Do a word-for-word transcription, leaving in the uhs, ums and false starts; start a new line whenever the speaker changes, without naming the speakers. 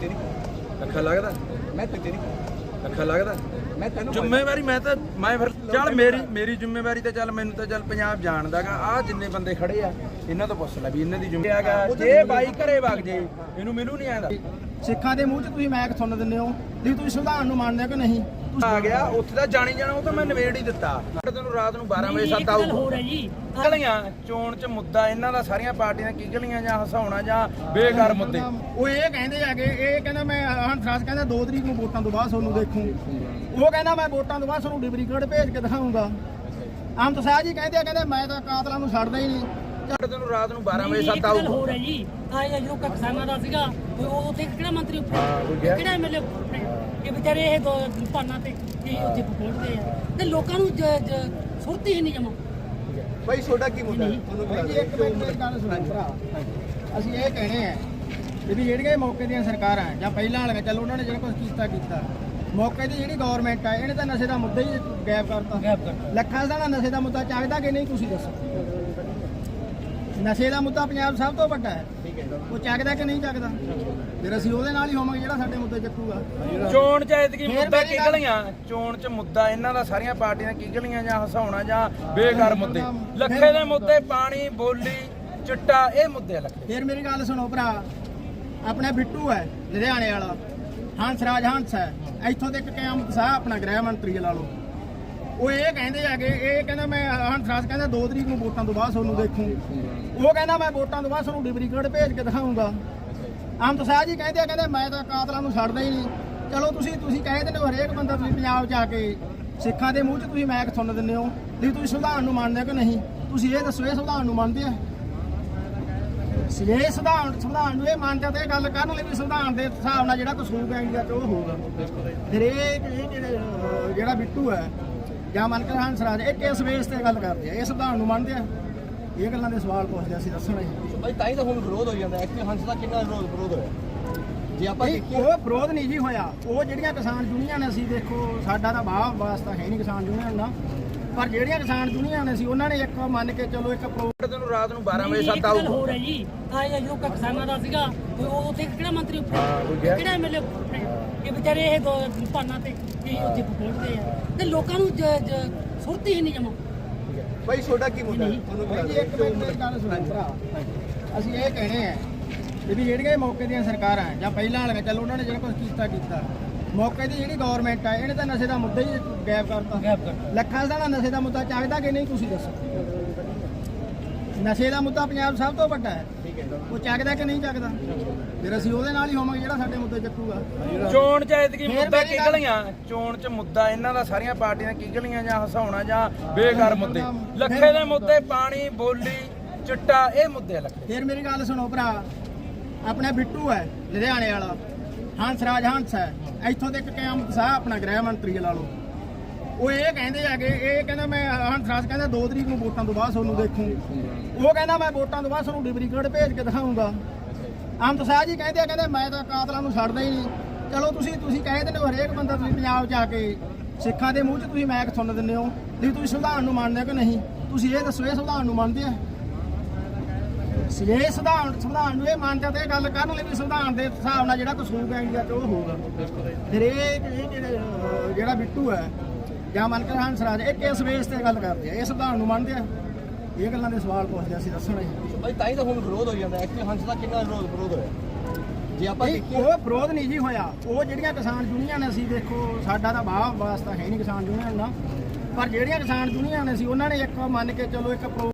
ਦੂਜੇ ਨਹੀਂ
ਅੱਖਾਂ ਲੱਗਦਾ
ਮੈਂ ਦੂਜੇ ਨਹੀਂ
ਅੱਖਾਂ ਲੱਗਦਾ
ਮੈਂ ਤੈਨੂੰ
ਜ਼ਿੰਮੇਵਾਰੀ ਮੈਂ ਤਾਂ ਮੈਂ ਫਿਰ ਚੱਲ ਮੇਰੀ ਮੇਰੀ ਜ਼ਿੰਮੇਵਾਰੀ ਤਾਂ ਚੱਲ ਮੈਨੂੰ ਤਾਂ ਚੱਲ ਪੰਜਾਬ ਜਾਣਦਾਗਾ ਆ ਜਿੰਨੇ ਬੰਦੇ ਖੜੇ ਆ ਇਹਨਾਂ ਤੋਂ ਪੁੱਛ ਲੈ ਵੀ ਇਹਨਾਂ ਦੀ ਜ਼ਿੰਮੇਵਾਰੀ ਹੈਗਾ ਜੇ ਬਾਈ ਘਰੇ ਵਗ ਜੇ ਇਹਨੂੰ ਮੈਨੂੰ ਨਹੀਂ ਆਂਦਾ
ਸਿੱਖਾਂ ਦੇ ਮੂੰਹ 'ਚ ਤੁਸੀਂ ਮੈਕ ਸੁਣ ਦਿੰਦੇ ਹੋ ਵੀ ਤੁਸੀਂ ਸੰਵਿਧਾਨ ਨੂੰ ਮੰਨਦੇ ਹੋ ਕਿ ਨਹੀਂ
ਆ ਗਿਆ ਉੱਥੇ ਤਾਂ ਜਾਣੀ ਜਾਣਾ ਉਹ ਤਾਂ ਮੈਂ ਨਵੇੜ ਹੀ ਦਿੱਤਾ ਤੈਨੂੰ ਰਾਤ ਨੂੰ ਬਾਰਾਂ ਵਜੇ ਸੱਤ ਆਊ ਗਲੀਆਂ ਚੋਣ 'ਚ ਮੁੱਦਾ ਇਹਨਾਂ ਦਾ ਸਾਰੀਆਂ ਪਾਰਟੀਆਂ ਕੀ ਗਲੀਆਂ ਜਾਂ ਹਸਾਉਣਾ ਜਾਂ ਬੇਕਾਰ ਮੁੱਦੇ
ਉਹ ਇਹ ਕਹਿੰਦੇ ਆਗੇ ਇਹ ਕਹਿੰਦਾ ਮੈਂ ਹੰਸਰਾਜ ਕਹਿੰਦਾ ਦੋ ਤਰੀਕ ਨੂੰ ਵੋਟਾਂ ਤੋਂ ਬਾਅਦ ਤੁਹਾਨੂੰ ਦੇਖੂ ਉਹ ਕਹਿੰਦਾ ਮੈਂ ਵੋਟਾਂ ਤੋਂ ਬਾਅਦ ਤੁਹਾਨੂੰ ਡਿਬਰੀਗੜ੍ਹ ਭੇਜ ਕੇ ਦਿਖਾਊਂਗਾ ਆਮਤ ਸਾਹਿਬ ਜੀ ਕਹਿੰਦੇ ਆ ਕਹਿੰਦੇ ਮੈਂ ਤਾਂ ਕਾਤਲਾਂ ਨੂੰ ਛੱਡਦਾ ਹੀ ਨਹੀਂ
ਤੈਨੂੰ ਰਾਤ ਨੂੰ ਬਾਰਾਂ ਵਜੇ ਸੱਤ ਆਊ
ਹੋ ਰਿਹਾ ਜੀ ਆ ਜੋ ਕਿਸਾਨਾਂ ਦਾ ਸੀਗਾ ਉਹ ਉੱਥੇ ਕਿਹੜਾ ਮੰਤਰੀ ਕਿਹੜਾ ਐਮਐਲਏ ਇਹ ਵਿਚਾਰੇ ਇਹ ਦੋ ਪਾਨਾਂ ਤੇ ਇਹ ਉੱਥੇ ਪਹੁੰਚਦੇ ਆ ਤੇ ਲੋਕਾਂ ਨੂੰ ਸੁਰਤੀ ਹੀ ਨਹੀਂ ਜਮਾ
ਬਾਈ ਤੁਹਾਡਾ ਕੀ ਮੁੱਦਾ ਤੁਹਾਨੂੰ
ਜੀ ਇੱਕ ਮਿੰਟ ਮੇਰੀ ਗੱਲ ਸੁਣੋ ਭਰਾ ਅਸੀਂ ਇਹ ਕਹਿਣੇ ਆ ਵੀ ਜਿਹੜੀਆਂ ਮੌਕੇ ਦੀਆਂ ਸਰਕਾਰਾਂ ਜਾਂ ਪਹਿਲਾਂ ਵਾਲੀਆਂ ਚੱਲ ਉਹਨਾਂ ਨੇ ਜਿਹੜਾ ਕੁਝ ਕੀਤਾ ਕੀਤਾ ਮੌਕੇ ਦੀ ਜਿਹੜੀ ਗਵਰਨਮੈਂਟ ਆ ਇਹਨੇ ਤਾਂ ਨਸ਼ੇ ਦਾ ਮੁੱਦਾ ਹੀ ਗਾਇਬ ਕਰਤਾ
ਗਾਇਬ ਕਰਤਾ
ਲੱਖਾਂ ਦਾ ਨਸ਼ੇ ਦਾ ਮੁੱਦਾ ਚੱਕਦਾ ਕਿ ਨਹੀਂ ਤੁਸੀਂ ਦੱਸੋ ਨਸ਼ੇ ਦਾ ਮੁੱਦਾ ਪੰਜਾਬ ਸਭ ਤੋਂ ਵੱਡਾ ਹੈ ਉਹ ਚੱਕਦਾ ਕਿ ਨਹੀਂ ਚੱਕਦਾ ਫਿਰ ਅਸੀਂ ਉਹਦੇ ਨਾਲ ਹੀ ਹੋਵਾਂਗੇ ਜਿਹੜਾ ਸਾਡੇ ਮੁੱਦੇ ਚੱਕੂਗਾ
ਚੋਣ ਚ ਐਤਕੀ ਮੁੱਦਾ ਕੀ ਗਲੀਆਂ ਚੋਣ ਚ ਮੁੱਦਾ ਇਹਨਾਂ ਦਾ ਸਾਰੀਆਂ ਪਾਰਟੀਆਂ ਕੀ ਗਲੀਆਂ ਜਾਂ ਹਸਾਉਣਾ ਜਾਂ ਬੇਕਾਰ ਮੁੱਦੇ ਲੱਖੇ ਦੇ ਮੁੱਦੇ ਪਾਣੀ ਬੋਲੀ ਚਿੱਟਾ ਇਹ ਮੁੱਦੇ ਲੱਖੇ
ਫਿਰ ਮੇਰੀ ਗੱਲ ਸੁਣੋ ਭਰਾ ਆਪਣਾ ਬਿੱਟੂ ਹੈ ਲੁਧਿਆਣੇ ਵਾਲਾ ਹੰਸਰਾਜ ਹੰਸ ਹੈ ਇੱਥੋਂ ਤੱਕ ਕਿਆਮਤ ਸਾਹ ਆਪਣਾ ਗ੍ਰਹਿ ਮੰਤਰੀ ਲਾ ਲਓ ਉਹ ਇਹ ਕਹਿੰਦੇ ਆਗੇ ਇਹ ਕਹਿੰਦਾ ਮੈਂ ਹੰਸਰਾਜ ਕਹਿੰਦਾ ਦੋ ਤਰੀਕ ਨੂੰ ਵੋਟਾਂ ਤੋਂ ਬਾਅਦ ਤੁਹਾਨੂੰ ਦੇਖੂ ਉਹ ਕਹਿੰਦਾ ਮੈਂ ਵੋਟਾਂ ਤੋਂ ਬਾਅਦ ਤੁਹਾਨੂੰ ਡਿਬਰੀਗੜ੍ਹ ਭੇਜ ਕੇ ਦਿਖਾਊਂਗਾ ਆਮਤ ਸਾਹਿਬ ਜੀ ਕਹਿੰਦੇ ਆ ਕਹਿੰਦੇ ਮੈਂ ਤਾਂ ਕਾਤਲਾਂ ਨੂੰ ਛੱਡਦਾ ਹੀ ਨਹੀਂ ਚਲੋ ਤੁਸੀਂ ਤੁਸੀਂ ਕਹਿ ਦਿੰਦੇ ਹੋ ਹਰੇਕ ਬੰਦਾ ਤੁਸੀਂ ਪੰਜਾਬ 'ਚ ਆ ਕੇ ਸਿੱਖਾਂ ਦੇ ਮੂੰਹ 'ਚ ਤੁਸੀਂ ਮੈਕ ਸੁਣ ਦਿੰਦੇ ਹੋ ਵੀ ਤੁਸੀਂ ਸੰਵਿਧਾਨ ਨੂੰ ਮੰਨਦੇ ਹੋ ਕਿ ਨਹੀਂ ਤੁਸੀਂ ਇਹ ਦੱਸੋ ਇਹ ਸੰਵਿਧਾਨ ਨੂੰ ਮੰਨਦੇ ਆ ਇਹ ਸੰਵਿਧਾਨ ਸੰਵਿਧਾਨ ਨੂੰ ਇਹ ਮੰਨਦੇ ਤੇ ਗੱਲ ਕਰਨ ਲਈ ਵੀ ਸੰਵਿਧਾਨ ਦੇ ਹਿਸਾਬ ਨਾਲ ਜਿਹੜਾ ਕੁਛ ਹੋਊਗਾ ਇੰਡੀਆ 'ਚ ਉਹ ਹੋਊਗਾ ਫਿਰ ਇਹ ਜਿਹੜੇ ਜਿਹੜਾ ਬਿੱਟੂ ਹੈ ਜਾਂ ਮਨ ਕੇ ਹੰਸਰਾਜ ਇਹ ਕਿਸ ਬੇਸ ਤੇ ਗੱਲ ਕਰਦੇ ਆ ਇਹ ਸੰਵਿਧਾਨ ਨੂੰ ਮੰਨਦੇ ਆ ਇਹ ਗੱਲਾਂ ਦੇ ਸਵਾਲ ਪੁੱਛਦੇ ਅਸੀਂ ਦੱਸਣਾ ਜੀ
ਬਾਈ ਤਾਂ ਹੀ ਤਾਂ ਹੁਣ ਵਿਰੋਧ ਹੋ ਜਾਂਦਾ ਐਕਚੁਅਲੀ ਹੰਸ ਦਾ ਕਿੰਨਾ ਵਿਰੋਧ ਵਿਰੋਧ ਹੋਇਆ ਜੇ ਆਪਾਂ ਦੇਖੀਏ
ਉਹ ਵਿਰੋਧ ਨਹੀਂ ਜੀ ਹੋਇਆ ਉਹ ਜਿਹੜੀਆਂ ਕਿਸਾਨ ਯੂਨੀਅਨ ਨੇ ਅਸੀਂ ਦੇਖੋ ਸਾਡਾ ਤਾਂ ਬਾਹ ਵਾਸਤਾ ਹੈ ਨਹੀਂ ਕਿਸਾਨ ਯੂਨੀਅਨ ਦਾ ਪਰ ਜਿਹੜੀਆਂ ਕਿਸਾਨ ਯੂਨੀਅਨ ਨੇ ਸੀ ਉਹਨਾਂ ਨੇ ਇੱਕ ਮੰਨ ਕੇ ਚਲੋ ਇੱਕ
ਤੈਨੂੰ ਰਾਤ ਨੂੰ ਬਾਰਾਂ ਵਜੇ ਸੱਤ ਆਊ
ਹੋ ਰਿਹਾ ਜੀ ਆ ਜੋ ਕਿਸਾਨਾਂ ਦਾ ਸੀਗਾ ਉਹ ਉੱਥੇ ਕਿਹੜਾ ਮੰਤਰੀ ਕਿਹੜਾ ਐਮਐਲਏ ਇਹ ਵਿਚਾਰੇ ਇਹ ਦੋ ਪਾਨਾਂ ਤੇ ਇਹ ਉੱਥੇ ਪਹੁੰਚਦੇ ਆ ਤੇ ਲੋਕਾਂ ਨੂੰ ਸੁਰਤੀ ਹੀ ਨਹੀਂ ਜਮਾ
ਬਾਈ ਤੁਹਾਡਾ ਕੀ ਮੁੱਦਾ ਤੁਹਾਨੂੰ
ਜੀ ਇੱਕ ਮਿੰਟ ਮੇਰੀ ਗੱਲ ਸੁਣੋ ਭਰਾ ਅਸੀਂ ਇਹ ਕਹਿਣੇ ਆ ਵੀ ਜਿਹੜੀਆਂ ਮੌਕੇ ਦੀਆਂ ਸਰਕਾਰਾਂ ਜਾਂ ਪਹਿਲਾਂ ਵਾਲੀਆਂ ਚੱਲ ਉਹਨਾਂ ਨੇ ਜਿਹੜਾ ਕੁਝ ਕੀਤਾ ਕੀਤਾ ਮੌਕੇ ਦੀ ਜਿਹੜੀ ਗਵਰਨਮੈਂਟ ਆ ਇਹਨੇ ਤਾਂ ਨਸ਼ੇ ਦਾ ਮੁੱਦਾ ਹੀ ਗਾਇਬ ਕਰਤਾ
ਗਾਇਬ ਕਰਤਾ
ਲੱਖਾਂ ਦਾ ਨਸ਼ੇ ਦਾ ਮੁੱਦਾ ਚੱਕਦਾ ਕਿ ਨਹੀਂ ਤੁਸੀਂ ਦੱਸੋ ਨਸ਼ੇ ਦਾ ਮੁੱਦਾ ਪੰਜਾਬ ਸਭ ਤੋਂ ਵੱਡਾ ਹੈ ਉਹ ਚੱਕਦਾ ਕਿ ਨਹੀਂ ਚੱਕਦਾ ਫਿਰ ਅਸੀਂ ਉਹਦੇ ਨਾਲ ਹੀ ਹੋਵਾਂਗੇ ਜਿਹੜਾ ਸਾਡੇ ਮੁੱਦੇ ਚੱਕੂਗਾ
ਚੋਣ ਚ ਐਤਕੀ ਮੁੱਦਾ ਕੀ ਗਲੀਆਂ ਚੋਣ ਚ ਮੁੱਦਾ ਇਹਨਾਂ ਦਾ ਸਾਰੀਆਂ ਪਾਰਟੀਆਂ ਕੀ ਗਲੀਆਂ ਜਾਂ ਹਸਾਉਣਾ ਜਾਂ ਬੇਕਾਰ ਮੁੱਦੇ ਲੱਖੇ ਦੇ ਮੁੱਦੇ ਪਾਣੀ ਬੋਲੀ ਚਿੱਟਾ ਇਹ ਮੁੱਦੇ ਲੱਖੇ
ਫਿਰ ਮੇਰੀ ਗੱਲ ਸੁਣੋ ਭਰਾ ਆਪਣਾ ਬਿੱਟੂ ਹੈ ਲੁਧਿਆਣੇ ਵਾਲਾ ਹੰਸਰਾਜ ਹੰਸ ਹੈ ਇੱਥੋਂ ਤੱਕ ਕਿਆਮਤ ਸਾਹ ਆਪਣਾ ਗ੍ਰਹਿ ਮੰਤਰੀ ਲਾ ਲਓ ਉਹ ਇਹ ਕਹਿੰਦੇ ਆਗੇ ਇਹ ਕਹਿੰਦਾ ਮੈਂ ਹੰਸਰਾਜ ਕਹਿੰਦਾ ਦੋ ਤਰੀਕ ਨੂੰ ਵੋਟਾਂ ਤੋਂ ਬਾਅਦ ਤੁਹਾਨੂੰ ਦੇਖੂ ਉਹ ਕਹਿੰਦਾ ਮੈਂ ਵੋਟਾਂ ਤੋਂ ਬਾਅਦ ਤੁਹਾਨੂੰ ਡਿਬਰੀਗੜ੍ਹ ਭੇਜ ਕੇ ਦਿਖਾਊਂਗਾ ਆਮਤ ਸਾਹਿਬ ਜੀ ਕਹਿੰਦੇ ਆ ਕਹਿੰਦੇ ਮੈਂ ਤਾਂ ਕਾਤਲਾਂ ਨੂੰ ਛੱਡਦਾ ਹੀ ਨਹੀਂ ਚਲੋ ਤੁਸੀਂ ਤੁਸੀਂ ਕਹਿ ਦਿੰਦੇ ਹੋ ਹਰੇਕ ਬੰਦਾ ਤੁਸੀਂ ਪੰਜਾਬ 'ਚ ਆ ਕੇ ਸਿੱਖਾਂ ਦੇ ਮੂੰਹ 'ਚ ਤੁਸੀਂ ਮੈਕ ਸੁਣ ਦਿੰਦੇ ਹੋ ਵੀ ਤੁਸੀਂ ਸੰਵਿਧਾਨ ਨੂੰ ਮੰਨਦੇ ਹੋ ਕਿ ਨਹੀਂ ਤੁਸੀਂ ਇਹ ਦੱਸੋ ਇਹ ਸੰਵਿਧਾਨ ਨੂੰ ਮੰਨਦੇ ਆ ਇਹ ਸੰਵਿਧਾਨ ਸੰਵਿਧਾਨ ਨੂੰ ਇਹ ਮੰਨਦੇ ਤੇ ਗੱਲ ਕਰਨ ਲਈ ਵੀ ਸੰਵਿਧਾਨ ਦੇ ਹਿਸਾਬ ਨਾਲ ਜਿਹੜਾ ਕੁਛ ਹੋਊਗਾ ਇੰਡੀਆ 'ਚ ਉਹ ਹੋਊਗਾ ਫਿਰ ਇਹ ਜਿਹੜੇ ਜਿਹੜਾ ਬਿੱਟੂ ਹੈ ਜਾਂ ਮਨ ਕੇ ਹੰਸਰਾਜ ਇਹ ਕਿਸ ਬੇਸ ਤੇ ਗੱਲ ਕਰਦੇ ਆ ਇਹ ਸੰਵਿਧਾਨ ਨੂੰ ਮੰਨਦੇ ਆ ਇਹ ਗੱਲਾਂ ਦੇ ਸਵਾਲ ਪੁੱਛਦੇ ਅਸੀਂ ਦੱਸਣਾ ਜੀ
ਬਾਈ ਤਾਂ ਹੀ ਤਾਂ ਹੁਣ ਵਿਰੋਧ ਹੋ ਜਾਂਦਾ ਐਕਚੁਅਲੀ ਹੰਸ ਦਾ ਕਿੰਨਾ ਵਿਰੋਧ ਵਿਰੋਧ ਹੋਇਆ ਜੇ ਆਪਾਂ ਦੇਖੀਏ
ਉਹ ਵਿਰੋਧ ਨਹੀਂ ਜੀ ਹੋਇਆ ਉਹ ਜਿਹੜੀਆਂ ਕਿਸਾਨ ਯੂਨੀਅਨ ਨੇ ਅਸੀਂ ਦੇਖੋ ਸਾਡਾ ਤਾਂ ਬਾਹ ਵਾਸਤਾ ਹੈ ਨਹੀਂ ਕਿਸਾਨ ਯੂਨੀਅਨ ਦਾ ਪਰ ਜਿਹੜੀਆਂ ਕਿਸਾਨ ਯੂਨੀਅਨ ਨੇ ਸੀ ਉਹਨਾਂ ਨੇ ਇੱਕ ਮੰਨ ਕੇ ਚਲੋ ਇੱਕ